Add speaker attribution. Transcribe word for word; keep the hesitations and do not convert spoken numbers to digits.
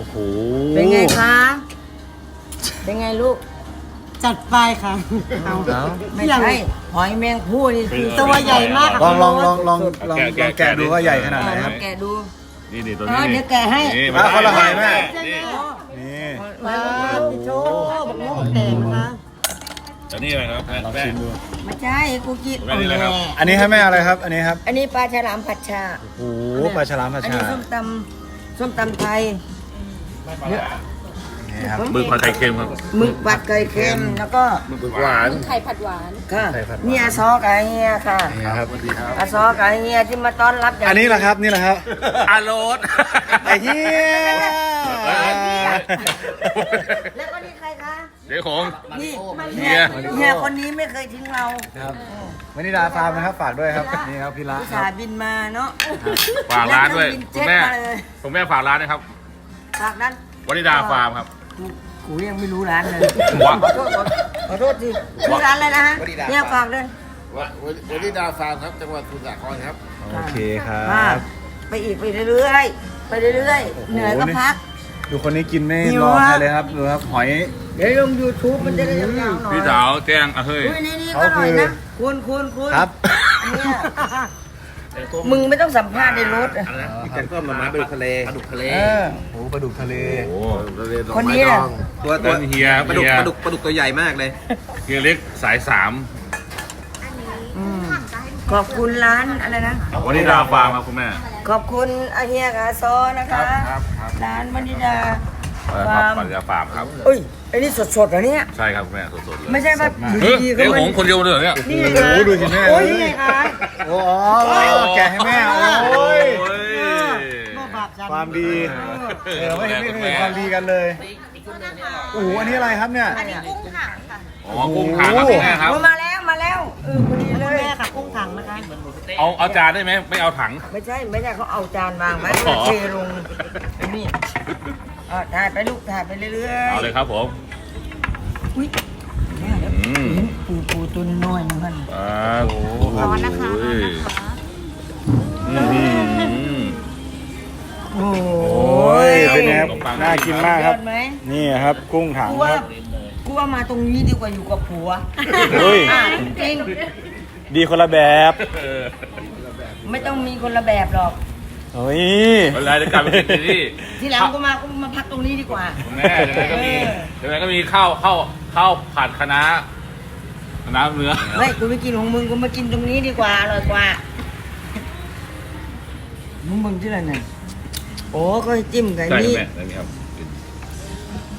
Speaker 1: อ้โห
Speaker 2: เป็นไงคะเป็นไงลูก
Speaker 3: จัดไปค่ะเอา
Speaker 1: เอา
Speaker 2: ไม่ใช่หอยแมงผู้นี่คือ
Speaker 3: ตัวใหญ่มาก
Speaker 1: ลองลองลองลองลองลองแกะดูว่าใหญ่ขนาดไหนครับ
Speaker 2: แกะดู
Speaker 4: นี่นี่ตัว
Speaker 2: เอ
Speaker 4: นี้
Speaker 2: อเดี๋ยวแกะให้
Speaker 4: นี่
Speaker 1: อ่ะคนละหอยแม่
Speaker 4: นี่
Speaker 1: นี่
Speaker 3: ว้าวพี่โชว์บอกว่าแตกนะคะ
Speaker 4: ตัวนี้อะไรครับแม่
Speaker 1: ลอง
Speaker 4: แม่
Speaker 1: ชิมดู
Speaker 2: ไม่ใช่กูกิน
Speaker 4: แม่นี่อะไรครับ
Speaker 1: อันนี้ให้แม่อะไรครับ อันนี้ครับ
Speaker 2: อันนี้ปลาฉลามผัดชา
Speaker 1: โอ้โหปลาฉลามผัด
Speaker 2: อัน
Speaker 1: ชา
Speaker 2: นี้ส้มตำส้มตำไทย
Speaker 1: นี่ครับ
Speaker 4: มือผัดไข่เค็มครับ
Speaker 2: หมึกผัดไก่เค็มแล้วก็
Speaker 4: มือหวาน
Speaker 5: ไข่ผัดหวาน
Speaker 2: ค่ะ
Speaker 1: ไข่ผัดหวาน
Speaker 2: นี่อาซอกับเฮียค่ะ
Speaker 1: นี่ครับ
Speaker 2: อาซอกับเฮียที่มาต้อนรับอย่าง
Speaker 1: อันนี้แหละครับนี่แหละครับ
Speaker 4: อาโรส
Speaker 1: ไอ้เหี้ย
Speaker 2: แล้วก็นี่ใครคะ
Speaker 4: เดี๋ยวของ
Speaker 2: นี่
Speaker 4: เฮี
Speaker 2: เฮีย
Speaker 4: ย
Speaker 2: เฮียคนนี้ไม่เคยทิ้งเรา
Speaker 1: ครับวันนี้ดาฟาร์มนะครับฝากด้วยครับนี่ครับพี่ละ
Speaker 2: อุต
Speaker 1: ค
Speaker 2: ส่า
Speaker 1: รับ
Speaker 2: ห์บินมาเนาะ
Speaker 4: ฝากร้านด้วย
Speaker 2: แล้
Speaker 4: คุ
Speaker 2: ก็
Speaker 4: ณ
Speaker 2: บิน
Speaker 4: แม่
Speaker 2: เจ็ตาเลย
Speaker 4: คุณแม่ฝากร้านนะครับ
Speaker 2: ฝากนั้น
Speaker 4: วนิดาฟาร์มครับ
Speaker 2: กูกูยังไม่รู้ร้านเลย
Speaker 4: ว่า
Speaker 2: ขอโทษขอขอโทษทีชื่อร้านอะไรนะฮะเนี่ยฝากเลย
Speaker 6: วันนี้ดาวฟาร์มครับ จังหวัดสมุทรสาครครับ
Speaker 1: โอเคครั
Speaker 2: ค่ะ
Speaker 1: บ
Speaker 2: ไปอีกไปเรื่อยๆไปเรื่อยๆเหนื่อยก็พัก
Speaker 1: ดูคนนี้กินไม่
Speaker 2: หิว
Speaker 1: รอ
Speaker 2: อะ
Speaker 1: ใครเลยครับดูครับหอย
Speaker 2: เดี๋ยวลง YouTube มันจะได้ยาวๆหน่อย
Speaker 4: พี่สาวแจ้งอ่ะเฮ้ย
Speaker 2: อุ้ยนี่นี่ก็หน่อยนะคุณคุณคุณ
Speaker 1: ครับ
Speaker 2: เนี่ยมึงไม่ต้องสัมภาษณ์ในรถอะ
Speaker 6: แกงส้มหน่อไม้ปลาดุกทะเลปลาดุกทะเล
Speaker 1: เออโอ้ปลาดุกทะเล
Speaker 4: โอ้
Speaker 6: ทะเล
Speaker 2: คนนี้น่ะ
Speaker 6: ตัวตัว
Speaker 4: เป็นเฮีย
Speaker 6: ปลาดุก
Speaker 4: เฮีย
Speaker 6: ปลาดุกปลาดุกตัวใหญ่มากเลย
Speaker 4: เฮียเล็กสายสาม
Speaker 2: อืมขอบคุณร้านอะไรนะ
Speaker 4: วนิดาฟาร์มครับคุณแม่
Speaker 2: ขอบคุณอาเฮียกับอาซอนะคะ
Speaker 4: ครับครับ
Speaker 2: ร้านวนิดา
Speaker 4: ค
Speaker 2: ฟา
Speaker 4: รับ
Speaker 2: ร์ม
Speaker 4: วนิดาฟาร์มครับ
Speaker 2: เอ้ยไอ้นี่สดๆเหรอเนี่ย
Speaker 4: ใช่ครับคุณแม่สดๆเลย
Speaker 2: ไม่ใช่ว่าอยู่
Speaker 4: เฮ้ย
Speaker 2: ดีๆก็
Speaker 4: เดี๋ยว
Speaker 2: มั
Speaker 4: ของคนเดียวเลยเหรอเนี่ย
Speaker 2: นี่
Speaker 1: โอ้
Speaker 2: ไง
Speaker 1: โหดูสิแม่
Speaker 2: โอ้ยนี่ไงคะ
Speaker 1: โอ้อ๋อแกะให้แม่โอ้ย
Speaker 4: โอ้ย
Speaker 3: บ่บาปจัน
Speaker 1: ความดีเออไม่เห็นไม่เห็นความดีกันเลยโอ้โหอันนี้อะไรครับเนี่ย
Speaker 5: กุ้งถังค่ะ
Speaker 4: อ๋อกุ้งถังครับคุณแม่ครับ
Speaker 2: โอ้มาแล้วมาแล้วเออพอดีเล
Speaker 3: คุณ
Speaker 2: ย
Speaker 3: แม่ค่ะกุ้งถังนะคะ
Speaker 4: เอาเอาจานได้ไหมไม่เอาถัง
Speaker 2: ไม่ใช่ไม่ใช่เขาเอาจานวางไว้
Speaker 4: อ๋อ
Speaker 2: เทลงนี่อ่ะถ่ายไปลูกถ่ายไปเรื่อยๆ
Speaker 4: เอาเลยครับผม
Speaker 2: อุ้ย
Speaker 4: อืม
Speaker 2: ปูปูตัวน้อยๆนึงมัน
Speaker 4: อ่าโอ้โห
Speaker 5: ร้อนนะคะร้อนนะคะ
Speaker 4: อืม
Speaker 2: โอ้
Speaker 1: โอ้ยเป็นไงครับ
Speaker 4: ขนมปัง
Speaker 1: น่ากินมากครับ
Speaker 2: ยอดไหม
Speaker 1: นี่ครับกุ้งถัง
Speaker 2: กู
Speaker 1: ค
Speaker 2: ว่า
Speaker 1: รับ
Speaker 2: กูว่ามาตรงนี้ดีกว่าอยู่กับผัว
Speaker 1: เฮ้ย
Speaker 2: อ่ะจริง
Speaker 1: ดีคนละแบบ
Speaker 4: เออ
Speaker 2: ๆไม่ต้องมีคนละแบบหรอก
Speaker 1: เฮ้ย
Speaker 4: เวลาจะกลับไปกินที่นี่
Speaker 2: ทีหลังกูมากูมาพักตรงนี้ดีกว่า
Speaker 4: คุณแม่เดี๋ยวก็มีเดี๋ยวก็มีข้าวข้าวข้าวผัดคะน้าคะน้าเนื้อ
Speaker 2: เฮ้ยกูไม่กินของมึงกูมากินตรงนี้ดีกว่าอร่อยกว่ามึงมึงที่ไหนเนี่ยโอ้ก็จิ้มกับ
Speaker 4: ใช่
Speaker 2: นี่
Speaker 4: แม่ได้ไหมครับ